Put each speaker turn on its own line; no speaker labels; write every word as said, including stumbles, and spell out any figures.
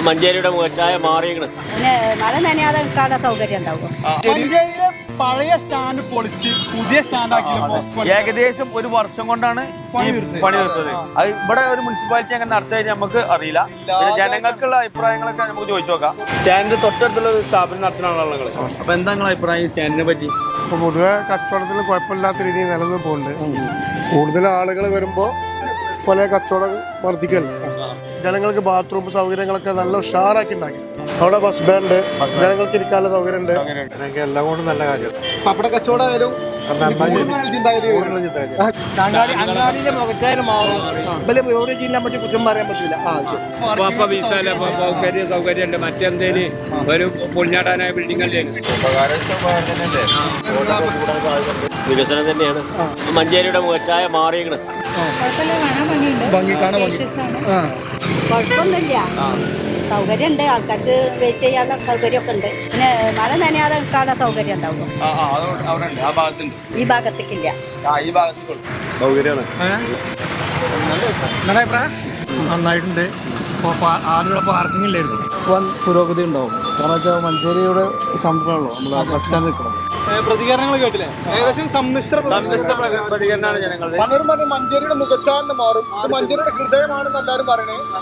മഞ്ചേരിയുടെ മുഖച്ചായ മാറിയിരിക്കണം.
പിന്നെ മഴ നനയാതെ നിൽക്കാനുള്ള സൗകര്യം ഉണ്ടാവും.
മഞ്ചേരിയിലെ പഴയ സ്റ്റാൻഡ് പൊളിച്ച് പുതിയ സ്റ്റാൻഡ് ആക്കി
ഏകദേശം ഒരു വർഷം കൊണ്ടാണ് ഈ പണി തീർത്തത്. അത് ഇവിടെ ഒരു മുനിസിപ്പാലിറ്റി അങ്ങനെ നടത്തി നമുക്ക് അറിയില്ല. പിന്നെ ജനങ്ങൾക്കുള്ള അഭിപ്രായങ്ങളൊക്കെ നമുക്ക് ചോദിച്ചു നോക്കാം. സ്റ്റാൻഡ് തൊട്ടടുത്തുള്ള ഒരു സ്ഥാപനം നടത്തുന്ന ആളുകൾ. അപ്പൊ എന്താ നിങ്ങളുടെ അഭിപ്രായം ഈ സ്റ്റാൻഡിനെ പറ്റി?
ഇപ്പൊ പൊതുവെ കച്ചവടത്തിൽ കുഴപ്പമില്ലാത്ത രീതിയിൽ നിലനിന്ന് പോകുന്നുണ്ട്. കൂടുതൽ ആളുകൾ വരുമ്പോൾ പല കച്ചവടം വർദ്ധിക്കല്ലേ. ജനങ്ങൾക്ക് ബാത്റൂം സൗകര്യങ്ങളൊക്കെ നല്ല ഉഷാറാക്കി ഉണ്ടാക്കി. അവിടെ ബസ് സ്റ്റാൻഡ്, ജനങ്ങൾക്ക് ഇരിക്കാനുള്ള സൗകര്യം ഉണ്ട്. എല്ലാം കൊണ്ടും നല്ല കാര്യം.
പപ്പട കച്ചവടമായാലും
അങ്ങാടിന്റെ മുഖച്ചായാലും കുറ്റം പറയാൻ പറ്റില്ല.
സൗകര്യം സൗകര്യം ഉണ്ട്. മറ്റെന്തേലും ഒരു പൊളിഞ്ഞാടാനായ ബിൽഡിംഗ് വികസനം തന്നെയാണ്. മഞ്ചേരിയുടെ മുഖച്ചായ മാറിയിരിക്കണം.
കുഴപ്പമൊന്നുമില്ല, സൗകര്യം ഉണ്ട്. ആൾക്കാർക്ക് വെയിറ്റ് ചെയ്യാനുള്ള സൗകര്യമൊക്കെ ഉണ്ട്. പിന്നെ മഴ നനയാതെ നിൽക്കാനുള്ള സൗകര്യം ഉണ്ടാവും. ഈ ഭാഗത്തേക്കില്ല.
സൗകര്യമാണ്.
നന്നായിട്ടുണ്ട്. ആളുടെ പാർക്കിംഗ് ഇല്ലായിരുന്നു. വൻ പുരോഗതി ഉണ്ടാവും. കാരണം വെച്ചാൽ മഞ്ചേരിയുടെ സംരംഭമാണല്ലോ നമ്മൾ ബസ് സ്റ്റാൻഡ് നിൽക്കണം.
പ്രതികരണങ്ങൾ കേട്ടില്ലേ? ഏകദേശം സമ്മിശ്ര
സമ്മിശ്ര പ്രതികരണമാണ് ജനങ്ങൾ.
പലരും പറഞ്ഞു മഞ്ചേരിയുടെ മുഖച്ചാന്ന് മാറും, മഞ്ചേരിയുടെ ഹൃദയമാണെന്ന് എല്ലാവരും പറയണേ.